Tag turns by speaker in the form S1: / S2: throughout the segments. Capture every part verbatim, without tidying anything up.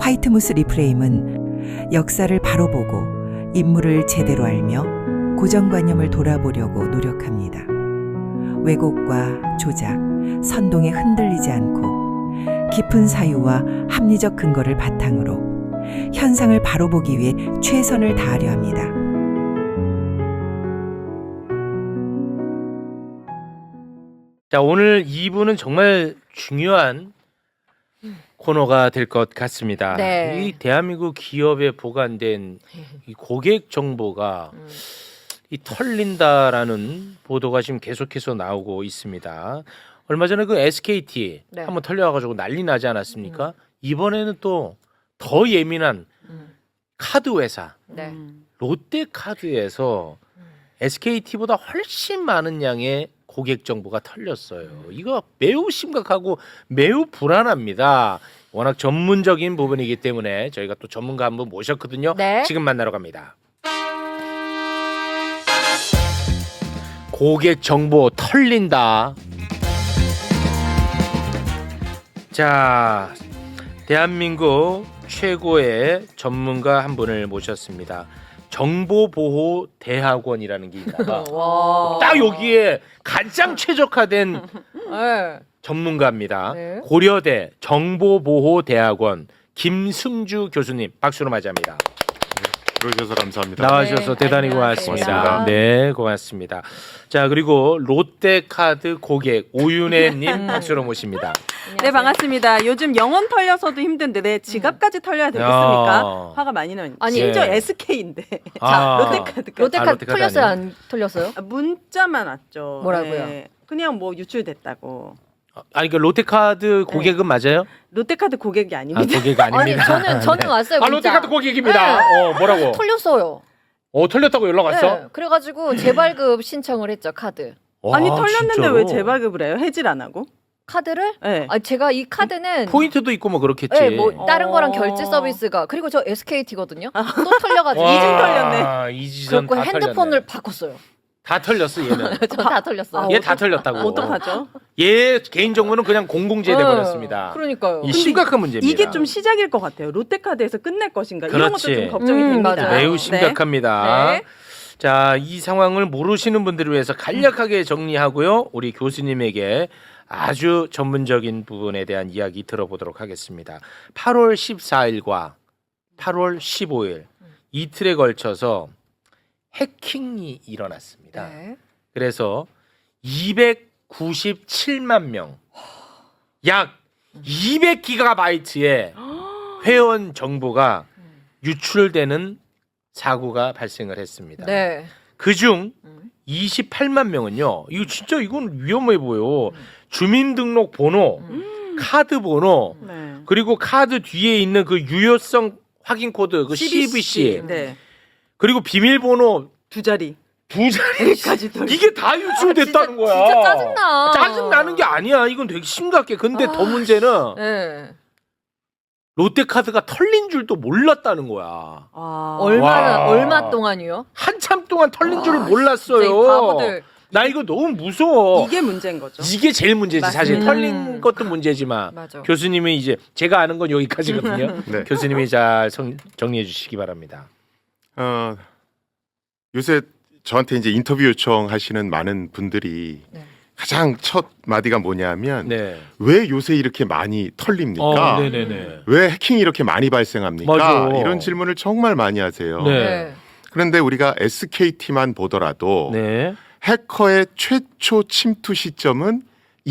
S1: 화이트무스 리프레임은 역사를 바로 보고 인물을 제대로 알며 고정관념을 돌아보려고 노력합니다. 왜곡과 조작, 선동에 흔들리지 않고 깊은 사유와 합리적 근거를 바탕으로 현상을 바로 보기 위해 최선을 다하려 합니다.
S2: 자, 오늘 이 부는 정말 중요한 코너가 될 것 같습니다.
S3: 네.
S2: 이 대한민국 기업에 보관된 이 고객 정보가
S3: 음.
S2: 이 털린다라는 보도가 지금 계속해서 나오고 있습니다. 얼마 전에 그 에스케이티
S3: 네.
S2: 한번 털려가지고 난리 나지 않았습니까? 이번에는 또 더 예민한
S3: 음.
S2: 카드 회사
S3: 네.
S2: 롯데카드에서 에스케이티보다 훨씬 많은 양의 고객 정보가 털렸어요. 이거 매우 심각하고 매우 불안합니다. 워낙 전문적인 부분이기 때문에 저희가 또 전문가 한 분 모셨거든요.
S3: 네.
S2: 지금 만나러 갑니다. 고객 정보 털린다. 자, 대한민국 최고의 전문가 한 분을 모셨습니다. 정보보호대학원이라는 게 있다가
S3: 와.
S2: 딱 여기에 가장 최적화된
S3: 네.
S2: 전문가입니다.
S3: 네.
S2: 고려대 정보보호대학원 김승주 교수님 박수로 맞이합니다.
S4: 들어주셔서 감사합니다.
S2: 나와주셔서
S3: 네,
S2: 대단히
S3: 안녕하세요.
S2: 고맙습니다.
S4: 고맙습니다.
S2: 네, 고맙습니다. 자, 그리고 롯데카드 고객 오윤혜님 박수로 모십니다.
S5: 네, 반갑습니다. 요즘 영원 털려서도 힘든데 내 지갑까지 털려야 되겠습니까?
S2: 야.
S5: 화가 많이 나는.
S3: 아니,
S5: 심지어
S2: 네.
S5: 에스케이인데.
S2: 아.
S5: 롯데카드까지.
S3: 롯데카드
S2: 아, 롯데카드
S3: 털렸어요?
S2: 아니에요?
S3: 안 털렸어요?
S5: 아, 문자만 왔죠.
S3: 뭐라고요?
S5: 네. 그냥 뭐 유출됐다고.
S2: 아니 그 롯데카드 고객은 맞아요?
S5: 롯데카드 고객이
S2: 아,
S5: 아닙니다.
S2: 고객 아닙니다.
S3: 아니 저는 저는 왔어요.
S2: 아,
S3: 문자.
S2: 롯데카드 고객입니다.
S3: 네.
S2: 어, 뭐라고?
S3: 털렸어요.
S2: 어, 털렸다고 연락 왔어?
S3: 네. 그래가지고 재발급 신청을 했죠 카드.
S2: 와,
S5: 아니 털렸는데
S2: 진짜로?
S5: 왜 재발급을 해요? 해질 안 하고?
S3: 카드를?
S5: 네.
S3: 아 제가 이 카드는
S2: 포인트도 있고 뭐 그렇겠지.
S3: 네, 뭐 다른 거랑
S5: 어.
S3: 결제 서비스가 그리고 저 에스케이티거든요. 또 털려가지고
S2: 와,
S5: 이중 털렸네.
S2: 이지선
S3: 그래갖고
S2: 다
S3: 핸드폰을
S2: 털렸네.
S3: 바꿨어요.
S2: 다 털렸어 얘는.
S3: 저 다 털렸어요.
S5: 아,
S2: 얘 다 털렸다고.
S5: 어떡하죠?
S2: 얘 개인 정보는 그냥 공공재돼
S3: 네.
S2: 버렸습니다.
S3: 그러니까.
S2: 이 심각한 문제입니다.
S5: 이게 좀 시작일 것 같아요. 롯데카드에서 끝낼 것인가? 이런 것도
S2: 그렇지.
S5: 좀 걱정이
S3: 음,
S5: 됩니다.
S3: 맞아요.
S2: 매우
S5: 네.
S2: 심각합니다.
S3: 네.
S2: 자, 이 상황을 모르시는 분들을 위해서 간략하게 정리하고요. 우리 교수님에게 아주 전문적인 부분에 대한 이야기 들어보도록 하겠습니다. 팔월 십사일과 팔월 십오일 이틀에 걸쳐서 해킹이 일어났습니다.
S3: 네.
S2: 그래서 이백구십칠만 명, 약 이백 기가바이트의 회원 정보가 유출되는 사고가 발생을 했습니다.
S3: 네.
S2: 그중
S3: 음.
S2: 이십팔만 명은요. 이거 진짜 이건 위험해 보여. 주민등록 번호,
S3: 음.
S2: 카드 번호,
S5: 네.
S2: 그리고 카드 뒤에 있는 그 유효성 확인 코드, 그 씨브이씨,
S5: 네.
S2: 그리고 비밀번호
S5: 두 자리.
S2: 두 자리까지
S5: 까지 털.
S2: 이게 다 유출됐다는 거야.
S3: 진짜 짜증나.
S2: 짜증 나는 게 아니야. 이건 되게 심각해. 근데
S3: 아,
S2: 더 문제는
S3: 네.
S2: 롯데카드가 털린 줄도 몰랐다는 거야.
S5: 아.
S3: 얼마나
S2: 와.
S3: 얼마 동안이요?
S2: 한참 동안 털린 줄을
S3: 아,
S2: 몰랐어요.
S3: 진짜 이 바보들.
S2: 나 이거 너무 무서워.
S5: 이게 문제인 거죠.
S2: 이게 제일 문제지. 사실
S5: 맞습니다.
S2: 털린
S3: 음.
S2: 것도 문제지만
S3: 맞아.
S2: 교수님이 이제 제가 아는 건 여기까지거든요.
S4: 네.
S2: 교수님이 잘 성- 정리해 주시기 바랍니다.
S4: 어, 요새 저한테 이제 인터뷰 요청하시는 많은 분들이
S3: 네.
S4: 가장 첫 마디가 뭐냐면
S2: 네.
S4: 왜 요새 이렇게 많이 털립니까?
S2: 어, 네네네.
S4: 왜 해킹이 이렇게 많이 발생합니까?
S2: 맞아.
S4: 이런 질문을 정말 많이 하세요.
S2: 네.
S3: 네.
S4: 그런데 우리가 에스케이티만 보더라도
S2: 네.
S4: 해커의 최초 침투 시점은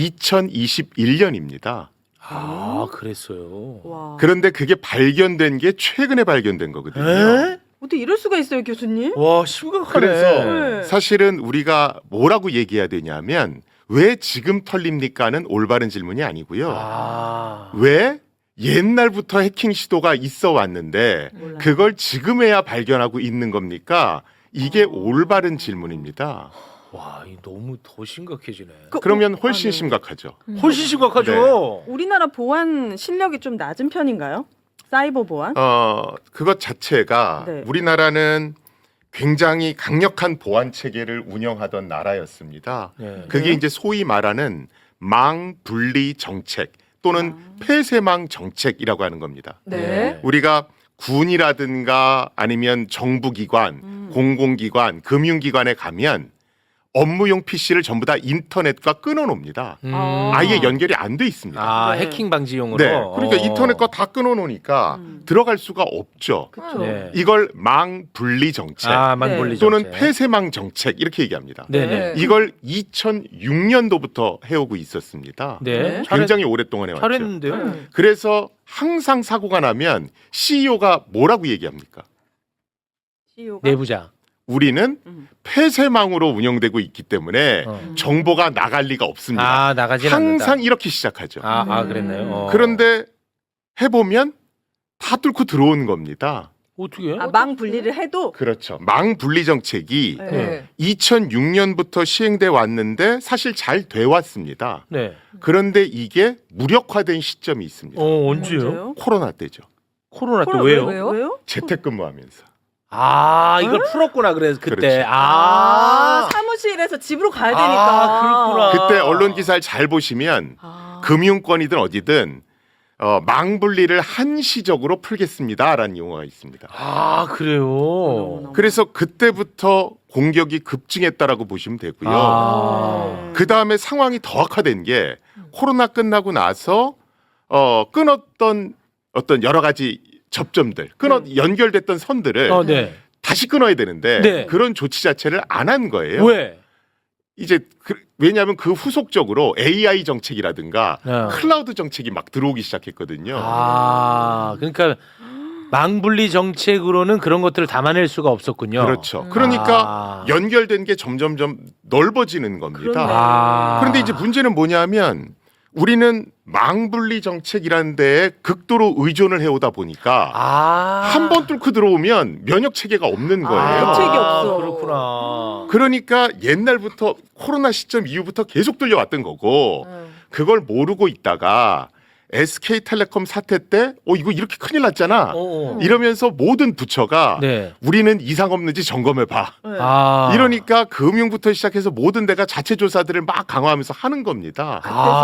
S4: 이천이십일년입니다.
S2: 아, 그랬어요.
S5: 와.
S4: 그런데 그게 발견된 게 최근에 발견된 거거든요.
S2: 에?
S5: 어떻게 이럴 수가 있어요, 교수님?
S2: 와, 심각하네.
S4: 그래서
S5: 네.
S4: 사실은 우리가 뭐라고 얘기해야 되냐면 왜 지금 털립니까는 올바른 질문이 아니고요.
S2: 아.
S4: 왜 옛날부터 해킹 시도가 있어 왔는데
S5: 몰라요.
S4: 그걸 지금에야 발견하고 있는 겁니까? 이게
S5: 어.
S4: 올바른 질문입니다.
S2: 와, 이 너무 더 심각해지네.
S5: 그-
S4: 그러면 훨씬
S5: 아, 네.
S4: 심각하죠.
S2: 훨씬 심각하죠.
S5: 우리나라 보안 실력이 좀 낮은 편인가요? 사이버 보안?
S4: 어, 그것 자체가
S5: 네.
S4: 우리나라는 굉장히 강력한 보안 체계를 운영하던 나라였습니다.
S2: 네.
S4: 그게
S5: 네.
S4: 이제 소위 말하는 망 분리 정책 또는 폐쇄망 정책이라고 하는 겁니다.
S3: 네.
S4: 우리가 군이라든가 아니면 정부기관,
S5: 음.
S4: 공공기관, 금융기관에 가면 업무용 피씨를 전부 다 인터넷과 끊어놓습니다.
S2: 음.
S5: 아.
S4: 아예 연결이 안 돼 있습니다.
S2: 아,
S5: 네.
S2: 해킹 방지용으로.
S4: 네, 그러니까
S2: 어.
S4: 인터넷과 다 끊어놓으니까
S5: 음.
S4: 들어갈 수가 없죠.
S5: 그렇죠.
S2: 네.
S4: 이걸 망 분리 정책
S2: 아, 망분리
S5: 네.
S4: 또는
S2: 정책.
S4: 폐쇄망 정책 이렇게 얘기합니다.
S2: 네네.
S4: 이걸 이천육 년도부터 해오고 있었습니다.
S2: 네.
S5: 네.
S4: 굉장히 오랫동안 해왔죠.
S2: 잘했는데요.
S5: 음.
S4: 그래서 항상 사고가 나면 씨이오가 뭐라고 얘기합니까?
S5: 씨이오가
S2: 내부자.
S4: 우리는
S5: 음.
S4: 폐쇄망으로 운영되고 있기 때문에
S2: 어.
S4: 정보가 나갈 리가 없습니다.
S2: 아, 나가진
S4: 항상
S2: 않는다.
S4: 이렇게 시작하죠.
S2: 아, 아
S5: 음.
S2: 그랬나요? 어.
S4: 그런데 해보면 다 뚫고 들어온 겁니다.
S2: 어떻게?
S5: 아, 망 분리를 해도
S4: 그렇죠. 망 분리 정책이
S5: 네.
S3: 네.
S4: 이천육 년부터 시행돼 왔는데 사실 잘 돼 왔습니다.
S2: 네.
S4: 그런데 이게 무력화된 시점이 있습니다.
S2: 어, 언제요?
S5: 언제요?
S4: 코로나 때죠.
S2: 코로나 때
S5: 코로나
S2: 왜요?
S5: 왜요? 왜요?
S4: 재택근무하면서.
S2: 아, 이걸 풀었구나. 그래서 그때.
S4: 그렇지.
S2: 아.
S5: 아, 사무실에서 집으로 가야
S2: 아,
S5: 되니까.
S2: 그렇구나.
S4: 그때 언론 기사를 잘 보시면
S5: 아.
S4: 금융권이든 어디든 어, 망 분리를 한시적으로 풀겠습니다라는 용어가 있습니다.
S2: 아, 그래요.
S5: 너무너무.
S4: 그래서 그때부터 공격이 급증했다라고 보시면 되고요.
S2: 아.
S4: 그 다음에 상황이 더 악화된 게 코로나 끝나고 나서 어, 끊었던 어떤 여러 가지 접점들, 끊어
S5: 음.
S4: 연결됐던 선들을
S2: 어, 네.
S4: 다시 끊어야 되는데
S2: 네.
S4: 그런 조치 자체를 안 한 거예요.
S2: 왜?
S4: 이제 그, 왜냐하면 그 후속적으로 에이아이 정책이라든가
S2: 어.
S4: 클라우드 정책이 막 들어오기 시작했거든요.
S2: 아, 그러니까 망분리 정책으로는 그런 것들을 담아낼 수가 없었군요.
S4: 그렇죠. 그러니까
S2: 아.
S4: 연결된 게 점점점 넓어지는 겁니다.
S5: 그렇네.
S2: 아.
S4: 그런데 이제 문제는 뭐냐면 우리는 망분리 정책이라는 데에 극도로 의존을 해오다 보니까
S2: 아.
S4: 한 번 뚫고 들어오면 면역 체계가 없는 거예요.
S2: 아,
S5: 대책이 없어.
S2: 그렇구나.
S4: 그러니까 옛날부터 코로나 시점 이후부터 계속 뚫려왔던 거고
S5: 음.
S4: 그걸 모르고 있다가 에스케이텔레콤 사태 때 어 이거 이렇게 큰일 났잖아.
S2: 어.
S4: 이러면서 모든 부처가
S2: 네.
S4: 우리는 이상 없는지 점검해 봐.
S5: 네.
S2: 아.
S4: 이러니까 금융부터 시작해서 모든 데가 자체 조사들을 막 강화하면서 하는 겁니다.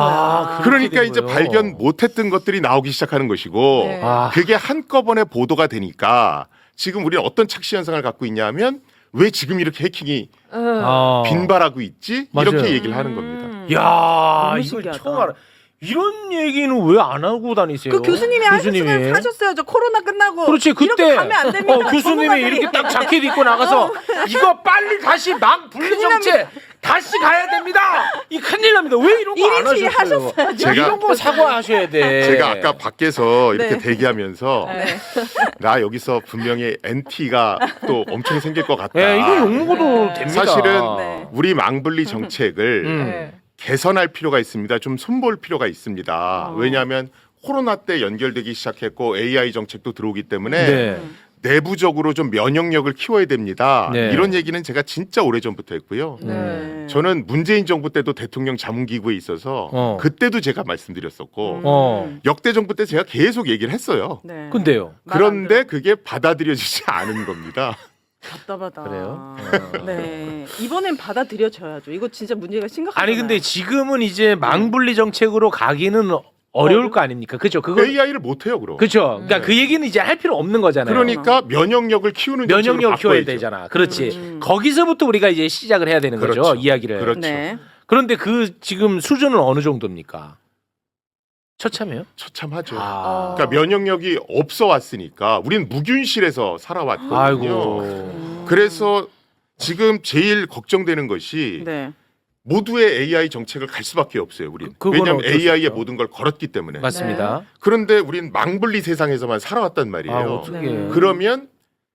S2: 아, 그렇게
S4: 그러니까
S2: 된
S4: 이제
S2: 거예요.
S4: 발견 못했던 것들이 나오기 시작하는 것이고
S3: 네.
S2: 아.
S4: 그게 한꺼번에 보도가 되니까 지금 우리는 어떤 착시 현상을 갖고 있냐면 왜 지금 이렇게 해킹이
S3: 음.
S2: 어.
S4: 빈발하고 있지?
S2: 맞아요.
S4: 이렇게 얘기를 하는 겁니다.
S5: 음.
S2: 야,
S5: 너무
S2: 이거
S5: 신기하다.
S2: 처음 알아. 이런 얘기는 왜 안 하고 다니세요?
S5: 그 교수님이 하셨으면 하셨어요. 저 코로나 끝나고
S2: 그렇지, 그때
S5: 이렇게 가면 안 됩니다.
S2: 어, 교수님이
S5: 전문가들이.
S2: 이렇게 딱 자켓 입고 나가서 이거 빨리 다시 망 분리 정책 다시 가야 됩니다. 이 큰일 납니다. 왜 이런 거 안
S5: 일인치
S2: 하셨어요?
S5: 하셨어야죠.
S4: 제가-
S2: 이런 거 사과하셔야 돼.
S4: 제가 아까 밖에서 이렇게
S5: 네.
S4: 대기하면서
S5: 네.
S4: 나 여기서 분명히 엔티가 또 엄청 생길 것 같다.
S2: 예, 이거 욕 먹어도
S3: 네.
S2: 됩니다.
S4: 사실은
S5: 네.
S4: 우리 망분리 정책을
S2: 음.
S3: 네.
S4: 개선할 필요가 있습니다. 좀 손볼 필요가 있습니다.
S5: 어.
S4: 왜냐하면 코로나 때 연결되기 시작했고 에이아이 정책도 들어오기 때문에
S2: 네.
S4: 내부적으로 좀 면역력을 키워야 됩니다.
S2: 네.
S4: 이런 얘기는 제가 진짜 오래전부터 했고요.
S5: 네.
S4: 저는 문재인 정부 때도 대통령 자문기구에 있어서
S2: 어.
S4: 그때도 제가 말씀드렸었고
S5: 음.
S2: 어.
S4: 역대 정부 때 제가 계속 얘기를 했어요.
S5: 네.
S2: 근데요.
S5: 말안
S4: 그런데
S5: 들어.
S4: 그게 받아들여지지 않은 겁니다.
S5: 답답하다.
S2: 그래요? 어.
S5: 네. 이번엔 받아들여져야죠. 이거 진짜 문제가 심각하잖아요.
S2: 아니 근데 지금은 이제 망분리 정책으로 가기는 어려울 거 아닙니까? 그죠? 그거
S4: 에이아이를 못해요, 그럼.
S2: 그죠? 그러니까 그 얘기는 이제 할 필요 없는 거잖아요.
S4: 그러니까 면역력을 키우는
S2: 면역력
S4: 정책으로
S2: 키워야
S4: 바꿔야죠.
S2: 되잖아. 그렇지.
S5: 음.
S2: 거기서부터 우리가 이제 시작을 해야 되는 거죠.
S4: 그렇죠.
S2: 이야기를.
S4: 그렇죠.
S5: 네.
S2: 그런데 그 지금 수준은 어느 정도입니까? 처참해요?
S4: 처참하죠.
S2: 아.
S4: 그러니까 면역력이 없어 왔으니까 우리는 무균실에서 살아왔거든요.
S2: 아이고.
S5: 음.
S4: 그래서 지금 제일 걱정되는 것이
S5: 네.
S4: 모두의 에이아이 정책을 갈 수밖에 없어요. 우리는.
S2: 그- 그건
S4: 왜냐하면
S2: 어쩔 수
S4: 에이아이에
S2: 없죠.
S4: 모든 걸 걸었기 때문에.
S2: 맞습니다.
S4: 그런데 우리는 망분리 세상에서만 살아왔단 말이에요.
S2: 아, 어떻게?
S5: 네.
S4: 그러면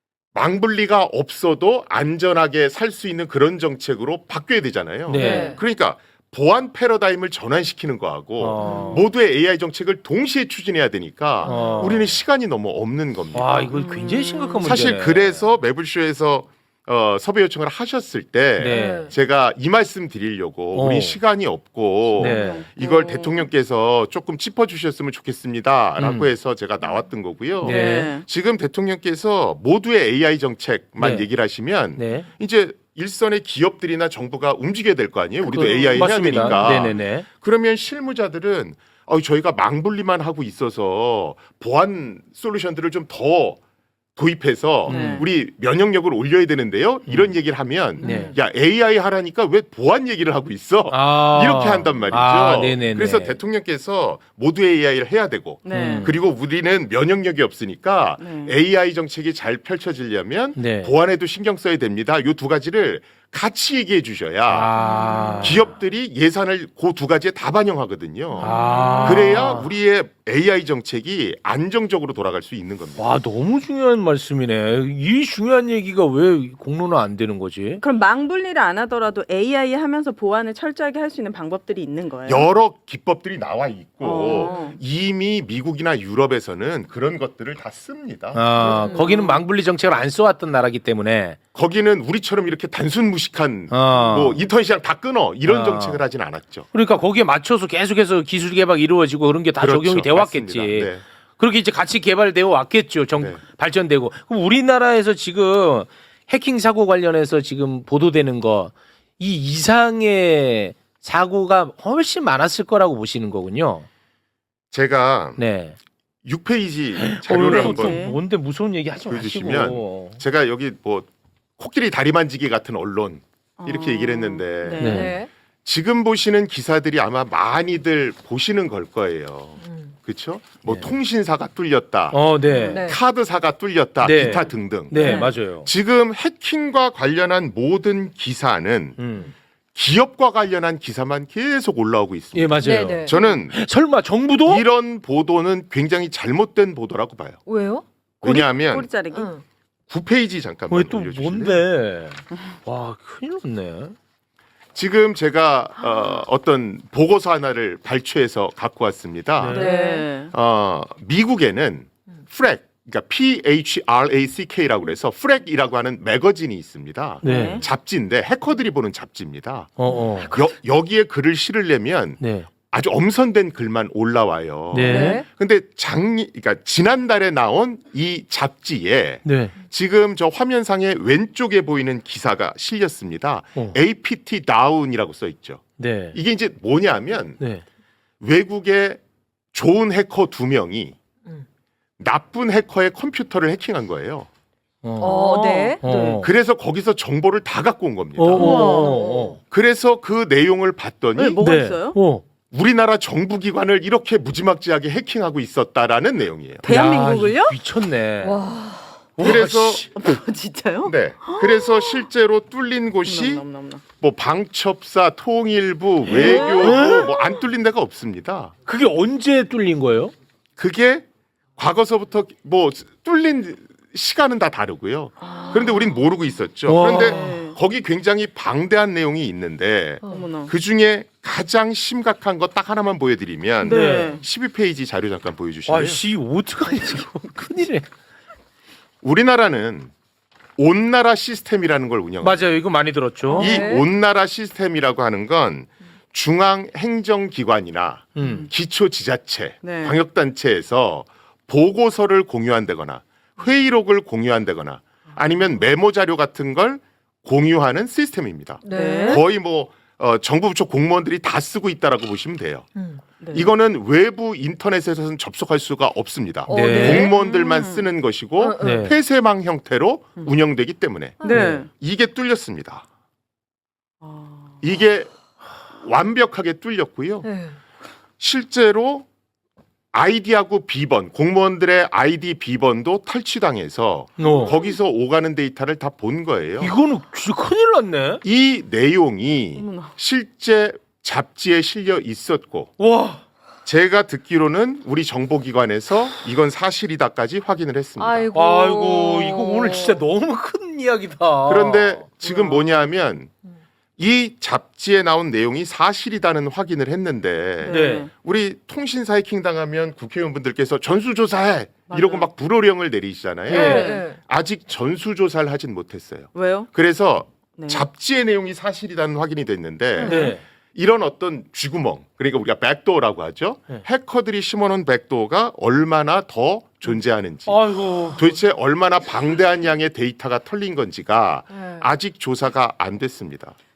S4: 망분리가 없어도 안전하게 살 수 있는 그런 정책으로 바뀌어야 되잖아요.
S2: 네.
S4: 그러니까 보안 패러다임을 전환시키는 거하고
S2: 어.
S4: 모두의 에이아이 정책을 동시에 추진해야 되니까
S2: 어.
S4: 우리는 시간이 너무 없는 겁니다.
S2: 와, 이거 굉장히 심각한 문제네.
S4: 사실 그래서 매불쇼에서 어, 섭외 요청을 하셨을 때
S2: 네.
S4: 제가 이 말씀 드리려고
S2: 어.
S4: 우리 시간이 없고
S2: 네.
S4: 이걸
S5: 어.
S4: 대통령께서 조금 짚어주셨으면 좋겠습니다라고
S2: 음.
S4: 해서 제가 나왔던 거고요.
S2: 네.
S5: 네.
S4: 지금 대통령께서 모두의 에이아이 정책만
S2: 네.
S4: 얘기를 하시면
S2: 네.
S4: 이제 일선의 기업들이나 정부가 움직여야 될 거 아니에요. 우리도
S2: 그-
S4: 에이아이 해야
S2: 맞습니다.
S4: 되니까.
S2: 네네네.
S4: 그러면 실무자들은 어, 저희가 망분리만 하고 있어서 보안 솔루션들을 좀 더 도입해서
S5: 네.
S4: 우리 면역력을 올려야 되는데요. 이런 얘기를 하면
S2: 네.
S4: 야 에이아이 하라니까 왜 보안 얘기를 하고 있어?
S2: 아.
S4: 이렇게 한단 말이죠.
S2: 아, 네네네.
S4: 그래서 대통령께서 모두 에이아이를 해야 되고
S5: 네.
S2: 음.
S4: 그리고 우리는 면역력이 없으니까
S5: 네.
S4: 에이아이 정책이 잘 펼쳐지려면
S2: 네.
S4: 보안에도 신경 써야 됩니다. 요 두 가지를 같이 얘기해 주셔야
S2: 아.
S4: 기업들이 예산을 그 두 가지에 다 반영하거든요.
S2: 아.
S4: 그래야 우리의 에이아이 정책이 안정적으로 돌아갈 수 있는 겁니다.
S2: 와, 너무 중요한 말씀이네. 이 중요한 얘기가 왜 공론화 안 되는 거지?
S5: 그럼 망분리를 안 하더라도 에이아이 하면서 보안을 철저하게 할 수 있는 방법들이 있는 거예요.
S4: 여러 기법들이 나와 있고
S5: 어.
S4: 이미 미국이나 유럽에서는 그런 것들을 다 씁니다.
S2: 아,
S3: 음.
S2: 거기는 망분리 정책을 안 써왔던 나라기 때문에.
S4: 거기는 우리처럼 이렇게 단순 무식한
S2: 어.
S4: 뭐 인터넷 시장 다 끊어 이런
S2: 어.
S4: 정책을 하진 않았죠.
S2: 그러니까 거기에 맞춰서 계속해서 기술 개발 이루어지고 그런 게 다
S4: 그렇죠.
S2: 적용이 되어 왔겠지.
S4: 맞습니다. 네.
S2: 그렇게 이제 같이 개발되어 왔겠죠. 정,
S4: 네.
S2: 발전되고. 그럼 우리나라에서 지금 해킹 사고 관련해서 지금 보도되는 거 이 이상의 사고가 훨씬 많았을 거라고 보시는 거군요.
S4: 제가
S2: 네.
S4: 육 페이지 자료를
S5: 어,
S4: 한번
S5: 네.
S2: 뭔데 무서운 얘기 하지
S4: 보여주시면
S2: 마시고.
S4: 제가 여기 뭐 코끼리 다리 만지기 같은 언론 이렇게
S5: 어.
S4: 얘기를 했는데
S5: 네.
S2: 네.
S3: 네.
S4: 지금 보시는 기사들이 아마 많이들 보시는 걸 거예요.
S3: 음.
S4: 그렇죠? 뭐
S2: 네.
S4: 통신사가 뚫렸다,
S2: 어, 네.
S3: 네.
S4: 카드사가 뚫렸다,
S2: 네.
S4: 기타 등등.
S2: 네,
S3: 네.
S2: 맞아요.
S4: 지금 해킹과 관련한 모든 기사는
S2: 음.
S4: 기업과 관련한 기사만 계속 올라오고 있습니다.
S2: 예, 맞아요.
S3: 네, 네.
S4: 저는
S2: 설마 정부도?
S4: 이런 보도는 굉장히 잘못된 보도라고 봐요.
S3: 왜요?
S4: 왜냐하면
S5: 꼬리 자르기.
S3: 응.
S4: 구 페이지 잠깐만
S2: 왜 또
S4: 올려주실래요?
S2: 뭔데? 와, 큰일 났네.
S4: 지금 제가 어, 어떤 보고서 하나를 발췌해서 갖고 왔습니다.
S2: 네.
S5: 네.
S4: 어, 미국에는 프랙, 그러니까 P H R A C K라고 그래서 프랙이라고 하는 매거진이 있습니다.
S2: 네.
S4: 잡지인데 해커들이 보는 잡지입니다.
S2: 어, 어.
S4: 여, 여기에 글을 실으려면
S2: 네.
S4: 아주 엄선된 글만 올라와요.
S2: 네.
S3: 네.
S4: 근데 작년, 그러니까 지난달에 나온 이 잡지에
S2: 네.
S4: 지금 저 화면상에 왼쪽에 보이는 기사가 실렸습니다.
S2: 어.
S4: 에이피티 다운이라고 써 있죠.
S2: 네.
S4: 이게 이제 뭐냐면
S2: 네.
S4: 외국의 좋은 해커 두 명이
S3: 음.
S4: 나쁜 해커의 컴퓨터를 해킹한 거예요.
S3: 어, 네.
S2: 어.
S4: 그래서 거기서 정보를 다 갖고 온 겁니다.
S2: 어, 어, 어, 어.
S4: 그래서 그 내용을 봤더니
S5: 네, 뭐가 있어요?
S2: 어.
S4: 우리나라 정부기관을 이렇게 무지막지하게 해킹하고 있었다라는 내용이에요.
S5: 대한민국을요?
S2: 야, 미쳤네.
S3: 와.
S4: 그래서
S2: 와, 씨.
S5: 진짜요?
S4: 네. 그래서 실제로 뚫린 곳이
S5: 넘넘넘넘.
S4: 뭐 방첩사, 통일부, 외교부 뭐 안 뚫린 데가 없습니다.
S2: 그게 언제 뚫린 거예요?
S4: 그게 과거서부터 뭐 뚫린 시간은 다 다르고요. 그런데 우린 모르고 있었죠.
S2: 와.
S4: 그런데
S5: 네.
S4: 거기 굉장히 방대한 내용이 있는데
S5: 어머나.
S4: 그 중에 가장 심각한 거 딱 하나만 보여드리면
S5: 네.
S4: 십이 페이지 자료 잠깐
S2: 아,
S4: 보여주시면
S2: 씨, 어떡하냐, 이거. 큰일이네.
S4: 우리나라는 온나라 시스템이라는 걸 운영합니다.
S2: 맞아요. 이거 많이 들었죠.
S4: 이
S3: 네.
S4: 온나라 시스템이라고 하는 건 중앙 행정기관이나
S2: 음.
S4: 기초지자체,
S5: 네.
S4: 방역단체에서 보고서를 공유한다거나 회의록을 공유한다거나 아니면 메모 자료 같은 걸 공유하는 시스템입니다.
S3: 네.
S4: 거의 뭐 어, 정부 부처 공무원들이 다 쓰고 있다라고 보시면 돼요.
S3: 음.
S5: 네.
S4: 이거는 외부 인터넷에서는 접속할 수가 없습니다.
S3: 어,
S2: 네.
S3: 네.
S4: 공무원들만
S5: 음.
S4: 쓰는 것이고
S3: 어, 어.
S2: 네.
S4: 폐쇄망 형태로 운영되기 때문에
S5: 네.
S4: 이게 뚫렸습니다.
S5: 아.
S4: 이게 완벽하게 뚫렸고요.
S3: 네.
S4: 실제로 아이디하고 비번, 공무원들의 아이디 비번도 탈취당해서
S2: 어.
S4: 거기서 오가는 데이터를 다 본 거예요.
S2: 이거는 진짜 큰일 났네.
S4: 이 내용이
S5: 어머나.
S4: 실제 잡지에 실려 있었고
S2: 와.
S4: 제가 듣기로는 우리 정보기관에서 이건 사실이다까지 확인을 했습니다.
S3: 아이고.
S2: 아이고, 이거 오늘 진짜 너무 큰 이야기다.
S4: 그런데 지금
S5: 와.
S4: 뭐냐면 이 잡지에 나온 내용이 사실이다는 확인을 했는데
S2: 네.
S4: 우리 통신사 해킹 당하면 국회의원분들께서 전수조사해 이러고
S5: 맞아요.
S4: 막 불호령을 내리시잖아요.
S2: 네.
S3: 네.
S4: 아직 전수조사를 하진 못했어요.
S5: 왜요?
S4: 그래서
S5: 네.
S4: 잡지의 내용이 사실이라는 확인이 됐는데
S2: 네.
S4: 이런 어떤 쥐구멍, 그러니까 우리가 백도어라고 하죠.
S2: 네.
S4: 해커들이 심어놓은 백도어가 얼마나 더 존재하는지,
S2: 아이고.
S4: 도대체 얼마나 방대한 양의 데이터가 털린 건지가
S3: 네.
S4: 아직 조사가 안 됐습니다.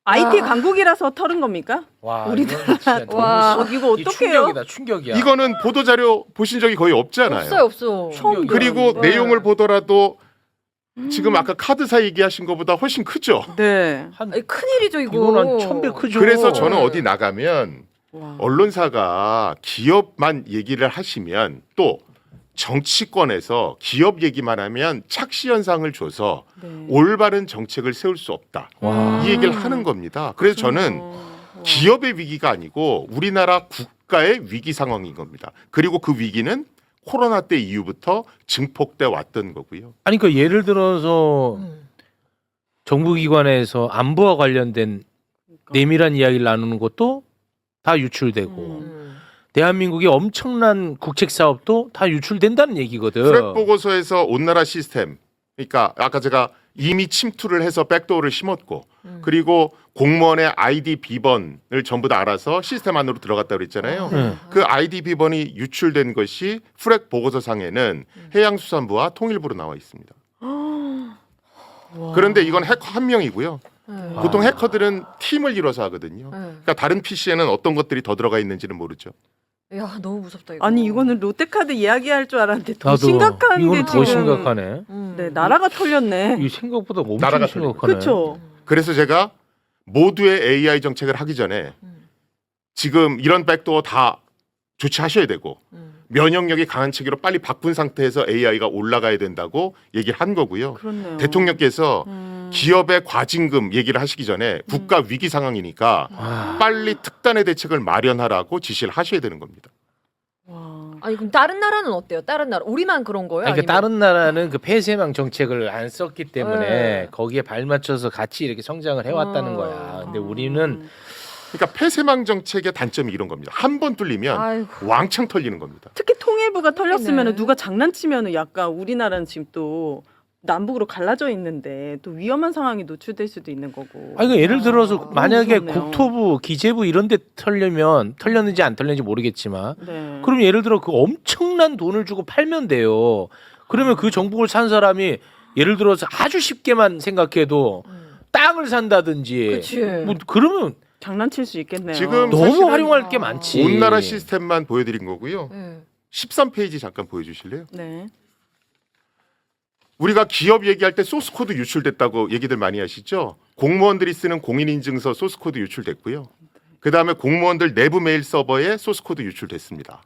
S5: 아이티
S3: 아.
S5: 강국이라서 털은 겁니까?
S2: 와,
S5: 우리나라
S2: 이건 진짜 너무
S3: 와.
S5: 어, 이거
S2: 이
S5: 어떡해요?
S2: 충격이다, 충격이야.
S4: 이거는 보도 자료 보신 적이 거의 없잖아요.
S3: 없어요, 없어.
S2: 충격이야.
S4: 그리고
S5: 네.
S4: 내용을 보더라도 지금 아까 카드사 얘기하신 것보다 훨씬 크죠.
S5: 네.
S2: 한
S3: 아니, 큰일이죠, 이거.
S2: 이건 한 천배 크죠.
S4: 그래서 저는 어디 나가면
S5: 와.
S4: 언론사가 기업만 얘기를 하시면 또 정치권에서 기업 얘기만 하면 착시 현상을 줘서
S5: 네.
S4: 올바른 정책을 세울 수 없다.
S2: 와.
S4: 이 얘기를 하는 겁니다. 그래서 저는
S5: 어.
S4: 기업의 위기가 아니고 우리나라 국가의 위기 상황인 겁니다. 그리고 그 위기는 코로나 때 이후부터 증폭돼 왔던 거고요.
S2: 아니 그 예를 들어서
S3: 음.
S2: 정부기관에서 안보와 관련된 내밀한 이야기를 나누는 것도 다 유출되고
S3: 음.
S2: 대한민국의 엄청난 국책 사업도 다 유출된다는 얘기거든.
S4: 프렉 보고서에서 온나라 시스템, 그러니까 아까 제가 이미 침투를 해서 백도어를 심었고
S3: 음.
S4: 그리고 공무원의 아이디 비번을 전부 다 알아서 시스템 안으로 들어갔다고 그랬잖아요.
S2: 네.
S4: 그 아이디 비번이 유출된 것이 프렉 보고서상에는 해양수산부와 통일부로 나와 있습니다. 그런데 이건 해커 한 명이고요.
S3: 네.
S4: 보통 해커들은 팀을 이뤄서 하거든요.
S3: 네.
S4: 그러니까 다른 피시에는 어떤 것들이 더 들어가 있는지는 모르죠.
S3: 야, 너무 무섭다, 이거.
S5: 아니 이거는 롯데카드 이야기할 줄 알았는데 더
S2: 나도
S5: 심각한 게
S2: 이건 더
S5: 지금
S2: 심각하네.
S3: 음.
S5: 네 나라가 털렸네.
S2: 이 생각보다 엄청
S4: 나라가
S2: 심각하네.
S5: 그렇죠.
S4: 그래서 제가 모두의 에이아이 정책을 하기 전에
S3: 음.
S4: 지금 이런 백도어 다 조치하셔야 되고
S3: 음.
S4: 면역력이 강한 체계로 빨리 바꾼 상태에서 에이아이가 올라가야 된다고 얘기를 한 거고요.
S5: 그렇네요.
S4: 대통령께서
S5: 음.
S4: 기업의 과징금 얘기를 하시기 전에 국가 위기 상황이니까
S2: 와.
S4: 빨리 특단의 대책을 마련하라고 지시를 하셔야 되는 겁니다.
S5: 와.
S3: 아니, 그럼 다른 나라는 어때요? 다른 나라. 우리만 그런 거예요?
S2: 아니, 그러니까
S3: 아니면-
S2: 다른 나라는 그 폐쇄망 정책을 안 썼기 때문에
S3: 네.
S2: 거기에 발맞춰서 같이 이렇게 성장을 해왔다는
S3: 어.
S2: 거야. 근데 우리는
S4: 그러니까 폐쇄망 정책의 단점이 이런 겁니다. 한 번 뚫리면
S3: 아이고.
S4: 왕창 털리는 겁니다.
S5: 특히 통일부가 털렸으면
S3: 네.
S5: 누가 장난치면 약간 우리나라는 지금 또 남북으로 갈라져 있는데 또 위험한 상황이 노출될 수도 있는 거고.
S2: 아니 그 예를 들어서
S5: 너무
S2: 만약에
S5: 무섭네요.
S2: 국토부, 기재부 이런 데 털려면 털렸는지 안 털렸는지 모르겠지만
S5: 네.
S2: 그럼 예를 들어 그 엄청난 돈을 주고 팔면 돼요. 그러면 그 정복을 산 사람이 예를 들어서 아주 쉽게만 생각해도
S3: 음.
S2: 땅을 산다든지
S3: 그치.
S2: 뭐 그러면
S5: 장난칠 수 있겠네요.
S4: 지금
S2: 너무
S4: 사실은
S2: 활용할 게 많지.
S4: 온 나라 시스템만 보여드린 거고요.
S3: 네.
S4: 십삼 페이지 잠깐 보여주실래요?
S5: 네.
S4: 우리가 기업 얘기할 때 소스 코드 유출됐다고 얘기들 많이 하시죠. 공무원들이 쓰는 공인인증서 소스 코드 유출됐고요. 그 다음에 공무원들 내부 메일 서버에 소스 코드 유출됐습니다.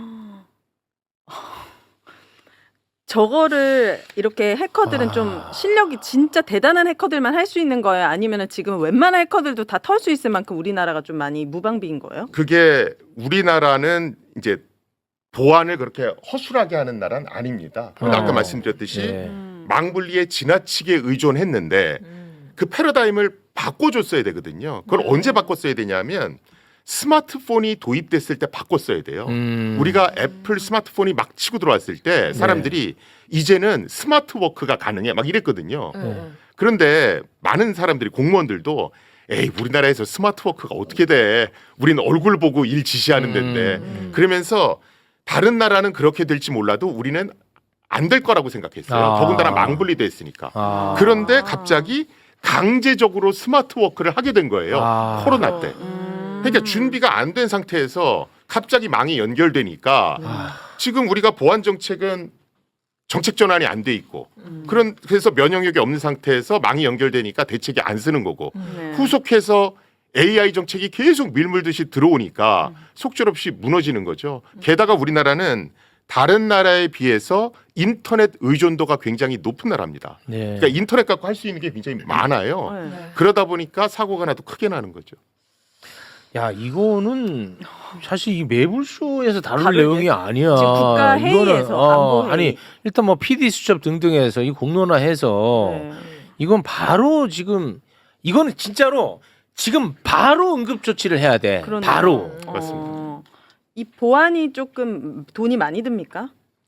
S5: 저거를 이렇게 해커들은
S2: 아.
S5: 좀 실력이 진짜 대단한 해커들만 할 수 있는 거예요? 아니면은 지금 웬만한 해커들도 다 털 수 있을 만큼 우리나라가 좀 많이 무방비인 거예요?
S4: 그게 우리나라는 이제 보안을 그렇게 허술하게 하는 나라는 아닙니다. 그런데
S2: 어.
S4: 아까 말씀드렸듯이
S2: 네.
S5: 음.
S4: 망분리에 지나치게 의존했는데
S3: 음.
S4: 그 패러다임을 바꿔줬어야 되거든요. 그걸
S3: 네.
S4: 언제 바꿨어야 되냐면 스마트폰이 도입됐을 때 바꿨어야 돼요.
S2: 음.
S4: 우리가 애플 스마트폰이 막 치고 들어왔을 때 사람들이 이제는 스마트 워크가 가능해 막 이랬거든요.
S3: 네.
S2: 네.
S4: 그런데 많은 사람들이 공무원들도 에이 우리나라에서 스마트 워크가 어떻게 돼? 우리는 얼굴 보고 일 지시하는 데인데
S2: 음.
S4: 그러면서 다른 나라는 그렇게 될지 몰라도 우리는 안 될 거라고 생각했어요.
S2: 아.
S4: 더군다나 망분리돼 있으니까.
S2: 아.
S4: 그런데 갑자기 강제적으로 스마트 워크를 하게 된 거예요.
S2: 아.
S4: 코로나 때.
S5: 음.
S4: 그러니까 준비가 안 된 상태에서 갑자기 망이 연결되니까
S2: 아.
S4: 지금 우리가 보안 정책은 정책 전환이 안 돼 있고
S5: 음.
S4: 그런 그래서 면역력이 없는 상태에서 망이 연결되니까 대책이 안 쓰는 거고
S5: 네.
S4: 후속해서 에이아이 정책이 계속 밀물듯이 들어오니까 속절없이 무너지는 거죠. 게다가 우리나라는 다른 나라에 비해서 인터넷 의존도가 굉장히 높은 나라입니다.
S2: 네.
S4: 그러니까 인터넷 갖고 할 수 있는 게 굉장히 많아요.
S5: 네.
S3: 네.
S4: 그러다 보니까 사고가 나도 크게 나는 거죠.
S2: 야 이거는 사실 이 매불쇼에서 다룰
S5: 다룰
S2: 내용이 아니야.
S5: 지금 국가 회의에서,
S2: 이거는, 어,
S5: 안보 회의.
S2: 아니 일단 뭐 피디 수첩 등등에서 이 공론화해서
S5: 네.
S2: 이건 바로 지금 이거는 진짜로 지금 바로 응급 조치를 해야 돼.
S5: 그러네요.
S2: 바로.
S5: 어,
S4: 맞습니다.
S5: 이 보안이 조금 돈이 많이 듭니까?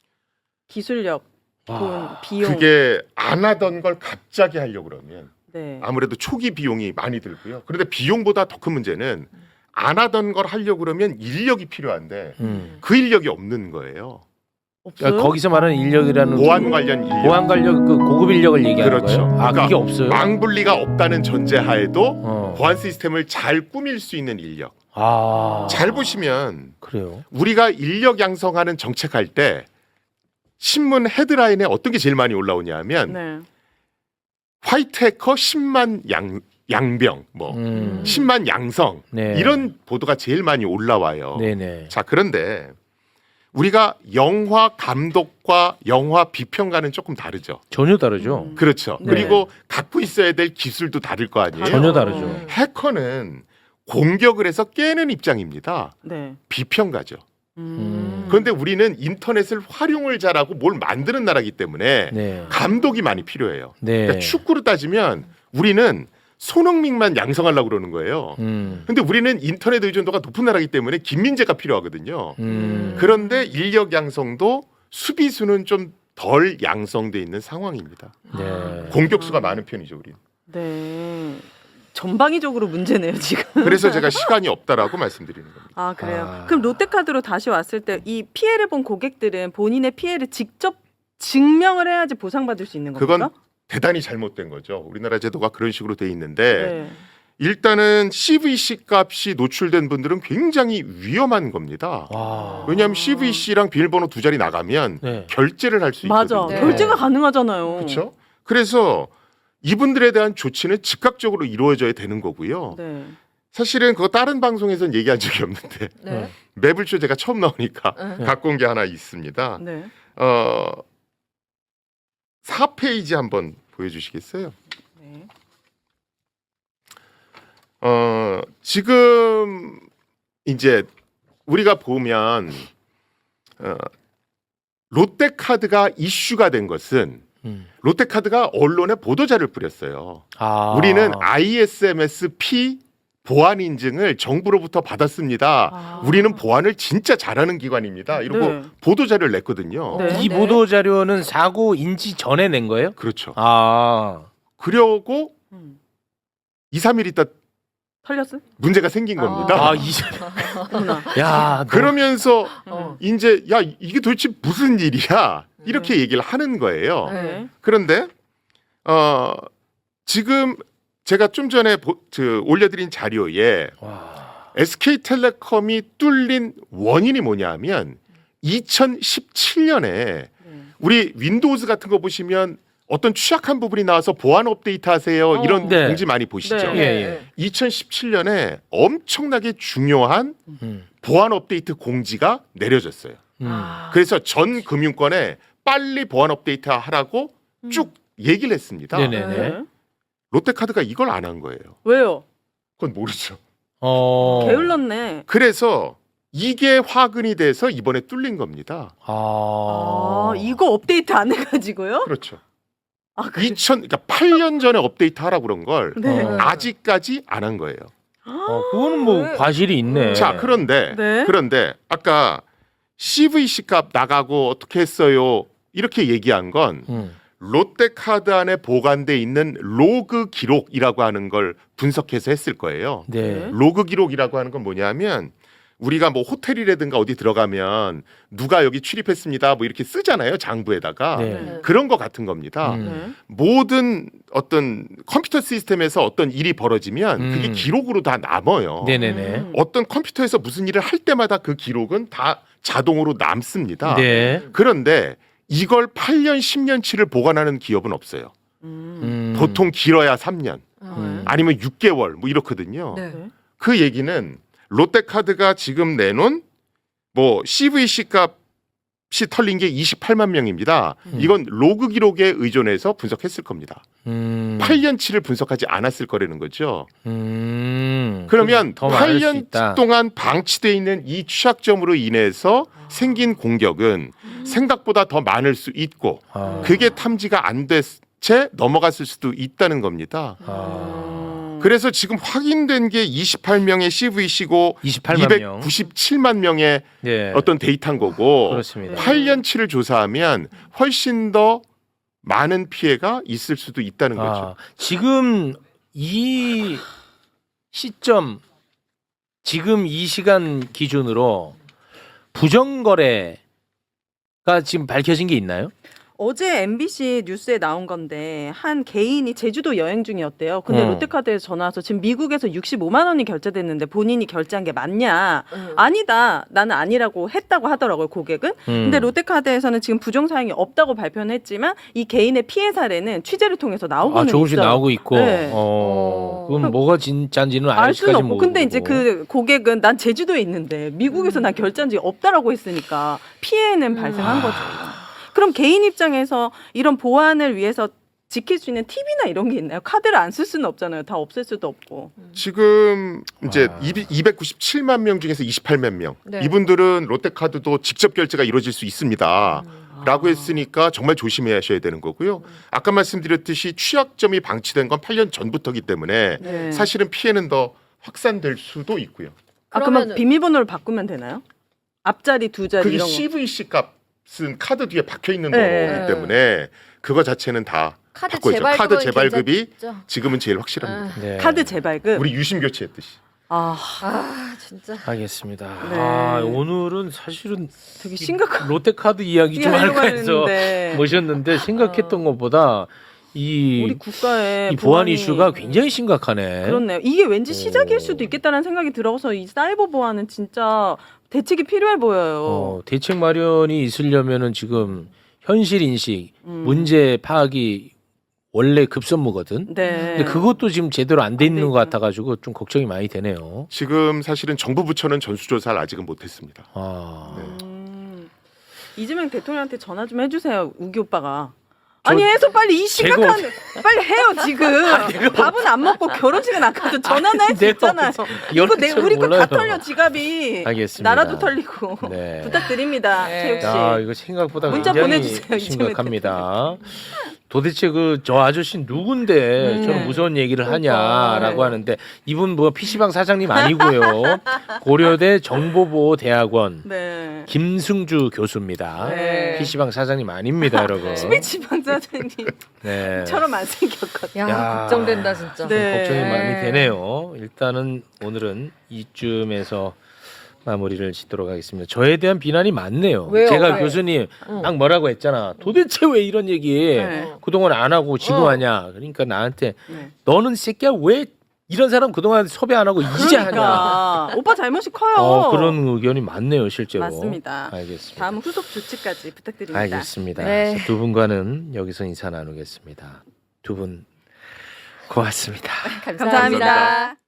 S5: 기술력, 돈,
S2: 와.
S5: 비용.
S4: 그게 안 하던 걸 갑자기 하려고 그러면
S5: 네.
S4: 아무래도 초기 비용이 많이 들고요. 그런데 비용보다 더 큰 문제는 안 하던 걸 하려고 그러면 인력이 필요한데
S2: 음.
S4: 그 인력이 없는 거예요.
S5: 없어요?
S2: 그러니까 거기서 말하는 인력이라는
S4: 보안 관련 인력.
S2: 보안 관련 그 고급 인력을 얘기하는
S4: 그렇죠.
S2: 거예요. 아
S4: 그러니까
S2: 그게 없어요.
S4: 망분리가 없다는 전제하에도
S2: 어.
S4: 보안 시스템을 잘 꾸밀 수 있는 인력.
S2: 아
S4: 잘 보시면
S2: 그래요.
S4: 우리가 인력 양성하는 정책할 때 신문 헤드라인에 어떤 게 제일 많이 올라오냐면
S5: 네.
S4: 화이트 해커 십만 양, 양병, 뭐
S2: 음.
S4: 십만 양성
S2: 네.
S4: 이런 보도가 제일 많이 올라와요.
S2: 네네.
S4: 자 그런데 우리가 영화 감독과 영화 비평가는 조금 다르죠.
S2: 전혀 다르죠.
S5: 음.
S4: 그렇죠.
S5: 네.
S4: 그리고 갖고 있어야 될 기술도 다를 거 아니에요.
S2: 전혀
S5: 다르죠.
S2: 다르죠.
S4: 해커는 공격을 해서 깨는 입장입니다.
S5: 네.
S4: 비평가죠.
S5: 음.
S4: 그런데 우리는 인터넷을 활용을 잘하고 뭘 만드는 나라기 때문에
S2: 네.
S4: 감독이 많이 필요해요.
S2: 네.
S4: 그러니까 축구로 따지면 우리는 손흥민만 양성하려고 그러는 거예요.
S2: 음.
S4: 근데 우리는 인터넷 의존도가 높은 나라이기 때문에 김민재가 필요하거든요.
S2: 음.
S4: 그런데 인력 양성도 수비수는 좀 덜 양성돼 있는 상황입니다.
S2: 네.
S4: 공격수가 많은 편이죠, 우리는.
S5: 네. 전방위적으로 문제네요 지금.
S4: 그래서 제가 시간이 없다라고 말씀드리는 겁니다.
S5: 아 그래요.
S2: 아.
S5: 그럼 롯데카드로 다시 왔을 때 이 피해를 본 고객들은 본인의 피해를 직접 증명을 해야지 보상받을 수 있는 겁니까?
S4: 그건 대단히 잘못된 거죠. 우리나라 제도가 그런 식으로 돼 있는데
S5: 네.
S4: 일단은 씨브이씨 값이 노출된 분들은 굉장히 위험한 겁니다.
S2: 와.
S4: 왜냐하면 씨브이씨랑 비밀번호 두 자리 나가면
S2: 네.
S4: 결제를 할 수
S5: 맞아.
S4: 있거든요.
S3: 네.
S5: 결제가 가능하잖아요.
S4: 그렇죠? 그래서 이분들에 대한 조치는 즉각적으로 이루어져야 되는 거고요.
S5: 네.
S4: 사실은 그거 다른 방송에서는 얘기한 적이 없는데
S3: 네.
S4: 매불쇼 제가 처음 나오니까
S3: 네.
S4: 갖고 온 게 하나 있습니다.
S5: 네.
S4: 어, 사 페이지 한번 보여주시겠어요?
S5: 네.
S4: 어, 지금 이제 우리가 보면 어, 롯데카드가 이슈가 된 것은
S2: 음.
S4: 롯데카드가 언론에 보도자를 뿌렸어요.
S2: 아.
S4: 우리는 아이에스엠에스피 보안 인증을 정부로부터 받았습니다.
S5: 아.
S4: 우리는 보안을 진짜 잘하는 기관입니다. 이러고
S5: 네.
S4: 보도자를 냈거든요.
S5: 네.
S2: 이 보도 자료는 사고 인지 전에 낸 거예요?
S4: 그렇죠.
S2: 아.
S4: 그러고
S5: 음.
S4: 이, 삼 일 있다
S5: 털렸어요?
S4: 문제가 생긴 겁니다.
S2: 아, 이
S5: 어머나.
S2: 야, 너-
S4: 그러면서
S3: 어.
S4: 이제 야 이게 도대체 무슨 일이야 이렇게 얘기를 하는 거예요.
S5: 네.
S4: 그런데 어 지금 제가 좀 전에 보, 그, 올려드린 자료에
S2: 와.
S4: 에스케이텔레콤이 뚫린 원인이 뭐냐하면 이천십칠 년에
S5: 네.
S4: 우리 윈도우즈 같은 거 보시면 어떤 취약한 부분이 나와서 보안 업데이트 하세요
S5: 어.
S4: 이런
S2: 네.
S4: 공지 많이 보시죠.
S5: 네.
S2: 예, 예.
S4: 이천십칠 년에 엄청나게 중요한
S2: 음.
S4: 보안 업데이트 공지가 내려졌어요.
S2: 음.
S5: 아.
S4: 그래서 전 금융권에 빨리 보안 업데이트 하라고
S5: 음.
S4: 쭉 얘기를 했습니다.
S2: 네네.
S5: 네.
S4: 롯데카드가 이걸 안 한 거예요.
S5: 왜요?
S4: 그건 모르죠.
S2: 어.
S5: 게을렀네.
S4: 그래서 이게 화근이 돼서 이번에 뚫린 겁니다.
S2: 아.
S5: 아, 이거 업데이트 안 해가지고요?
S4: 그렇죠.
S5: 아, 그래.
S4: 이천 그러니까 팔 년 전에 업데이트 하라고 그런 걸
S5: 네.
S2: 어.
S4: 아직까지 안 한 거예요.
S2: 어, 그거는 뭐 과실이 있네.
S4: 자, 그런데
S5: 네.
S4: 그런데 아까 씨브이씨 값 나가고 어떻게 했어요? 이렇게 얘기한 건
S2: 음.
S4: 롯데카드 안에 보관돼 있는 로그 기록이라고 하는 걸 분석해서 했을 거예요.
S2: 네.
S4: 로그 기록이라고 하는 건 뭐냐면 우리가 뭐 호텔이라든가 어디 들어가면 누가 여기 출입했습니다 뭐 이렇게 쓰잖아요, 장부에다가.
S2: 네.
S5: 네.
S4: 그런 거 같은 겁니다.
S2: 음.
S5: 네.
S4: 모든 어떤 컴퓨터 시스템에서 어떤 일이 벌어지면
S2: 음.
S4: 그게 기록으로 다 남아요.
S2: 네네네.
S5: 음.
S4: 어떤 컴퓨터에서 무슨 일을 할 때마다 그 기록은 다 자동으로 남습니다.
S2: 네.
S4: 그런데 이걸 팔 년, 십 년치를 보관하는 기업은 없어요.
S5: 음.
S2: 음.
S4: 보통 길어야 삼 년,
S2: 음.
S4: 아니면 육 개월 뭐 이렇거든요.
S3: 네.
S5: 네.
S4: 그 얘기는 롯데카드가 지금 내놓은 뭐 씨브이씨 값이 털린 게 이십팔만 명입니다.
S2: 음.
S4: 이건 로그 기록에 의존해서 분석했을 겁니다.
S2: 음.
S4: 팔 년치를 분석하지 않았을 거라는 거죠.
S2: 음.
S4: 그러면
S2: 더 많을
S4: 팔
S2: 수
S4: 년
S2: 있다.
S4: 동안 방치돼 있는 이 취약점으로 인해서 생긴 공격은 생각보다 더 많을 수 있고
S2: 아.
S4: 그게 탐지가 안 됐 채 넘어갔을 수도 있다는 겁니다.
S2: 아.
S4: 그래서 지금 확인된 게 이십팔 명의 씨브이씨고
S2: 이십팔만 명.
S4: 이백구십칠만 명의
S2: 네.
S4: 어떤 데이터인 거고
S2: 그렇습니다.
S4: 팔 년치를 조사하면 훨씬 더 많은 피해가 있을 수도 있다는 거죠.
S2: 아, 지금 이 시점, 지금 이 시간 기준으로 부정거래 지금 밝혀진 게 있나요?
S5: 어제 엠비씨 뉴스에 나온 건데 한 개인이 제주도 여행 중이었대요. 근데
S2: 음.
S5: 롯데카드에서 전화 와서 지금 미국에서 육십오만 원이 결제됐는데 본인이 결제한 게 맞냐?
S3: 음.
S5: 아니다. 나는 아니라고 했다고 하더라고요, 고객은.
S2: 음.
S5: 근데 롯데카드에서는 지금 부정 사항이 없다고 발표는 했지만 이 개인의 피해 사례는 취재를 통해서 나오고는
S2: 아, 조금씩
S5: 있어요.
S2: 나오고 있고.
S5: 네.
S2: 어. 그럼
S5: 그럼
S2: 뭐가 진짜인지는
S5: 알 수는
S2: 아직까지
S5: 없고.
S2: 모르고.
S5: 근데 이제 그 고객은 난 제주도에 있는데 미국에서 난 결제한 적이 없다라고 했으니까 피해는 발생한
S2: 아.
S5: 거죠. 그럼 개인 입장에서 이런 보안을 위해서 지킬 수 있는 팁이나 이런 게 있나요? 카드를 안 쓸 수는 없잖아요. 다 없앨 수도 없고.
S4: 지금 이제
S2: 와.
S4: 이백구십칠만 명 중에서 이십팔만 명
S3: 네.
S4: 이분들은 롯데카드도 직접 결제가 이루어질 수 있습니다.
S3: 음.
S4: 라고 했으니까 정말 조심해야 하셔야 되는 거고요. 아까 말씀드렸듯이 취약점이 방치된 건 팔 년 전부터기 때문에
S5: 네.
S4: 사실은 피해는 더 확산될 수도 있고요.
S5: 아, 그러면
S3: 그러면은-
S5: 비밀번호를 바꾸면 되나요? 앞자리 두 자리
S4: 그게
S5: 이런 거.
S4: 씨브이씨 값은 카드 뒤에 박혀 있는
S5: 네.
S4: 거기 때문에 그거 자체는 다
S3: 카드
S4: 바꿔야죠.
S3: 재발급은
S4: 카드 재발급이
S3: 괜찮죠?
S4: 지금은 제일 확실합니다.
S2: 네.
S5: 카드 재발급.
S4: 우리 유심 교체했듯이.
S5: 아,
S3: 아 진짜.
S2: 알겠습니다.
S5: 네.
S2: 아, 오늘은 사실은
S5: 되게 심각한
S2: 롯데카드 이야기 좀
S5: 하려고
S2: 할까 해서
S5: 했는데
S2: 모셨는데 생각했던 것보다 이,
S5: 우리 국가의
S2: 이 보안
S5: 보안이-
S2: 이슈가 굉장히 심각하네.
S5: 그렇네요. 이게 왠지 시작일
S2: 오.
S5: 수도 있겠다는 생각이 들어서 이 사이버 보안은 진짜 대책이 필요해 보여요.
S2: 어, 대책 마련이 있으려면은 지금 현실 인식,
S5: 음.
S2: 문제 파악이 원래 급선무거든.
S5: 네.
S2: 근데 그것도 지금 제대로 안 돼
S5: 안
S2: 있는
S5: 돼
S2: 것
S5: 있구나.
S2: 같아가지고 좀 걱정이 많이 되네요.
S4: 지금 사실은 정부 부처는 전수조사를 아직은 못했습니다.
S2: 아,
S4: 네.
S5: 음. 이재명 대통령한테 전화 좀 해주세요, 우기 오빠가.
S2: 저-
S5: 아니 해서 빨리 이
S2: 제가
S5: 심각한 빨리 해요 지금. 밥은 안 먹고 결혼식은 안 가도 전화는 할 수
S2: 내가
S5: 있잖아요. 이거
S2: 이런
S5: 내
S2: 줄
S5: 우리 거 다
S2: 몰라요.
S5: 털려 지갑이.
S2: 알겠습니다.
S5: 나라도 털리고.
S2: 네.
S5: 부탁드립니다,
S3: 네.
S5: 최욱 씨.
S2: 야, 이거 생각보다
S5: 문자
S2: 굉장히
S5: 보내주세요,
S2: 심각합니다. 도대체 그 저 아저씨 누군데
S5: 음.
S2: 저런 무서운 얘기를
S5: 그러니까.
S2: 하냐라고
S5: 네.
S2: 하는데 이분 뭐 피시방 사장님 아니고요. 고려대 정보보호대학원
S5: 네.
S2: 김승주 교수입니다.
S5: 네.
S2: 피시방 사장님 아닙니다, 여러분.
S5: 스피치방 사장님처럼
S2: 네.
S5: 안 생겼거든요.
S3: 야,
S2: 야.
S3: 걱정된다 진짜.
S5: 네.
S2: 걱정이 많이 되네요. 일단은 오늘은 이쯤에서 마무리를 짓도록 하겠습니다. 저에 대한 비난이 많네요.
S3: 왜요?
S2: 제가
S3: 왜?
S2: 교수님
S3: 응.
S2: 딱 뭐라고 했잖아. 도대체 왜 이런 얘기
S5: 네.
S2: 그동안 안 하고 지금
S3: 어.
S2: 하냐. 그러니까 나한테
S5: 네.
S2: 너는 새끼야 왜 이런 사람 그동안 섭외 안 하고 이제 하냐.
S5: 그러니까 오빠 잘못이 커요.
S2: 어, 그런 의견이 많네요, 실제로.
S5: 맞습니다.
S2: 알겠습니다.
S5: 다음 후속 조치까지 부탁드립니다.
S2: 알겠습니다.
S3: 네.
S2: 두 분과는 여기서 인사 나누겠습니다. 두 분 고맙습니다.
S3: 감사합니다.
S5: 감사합니다.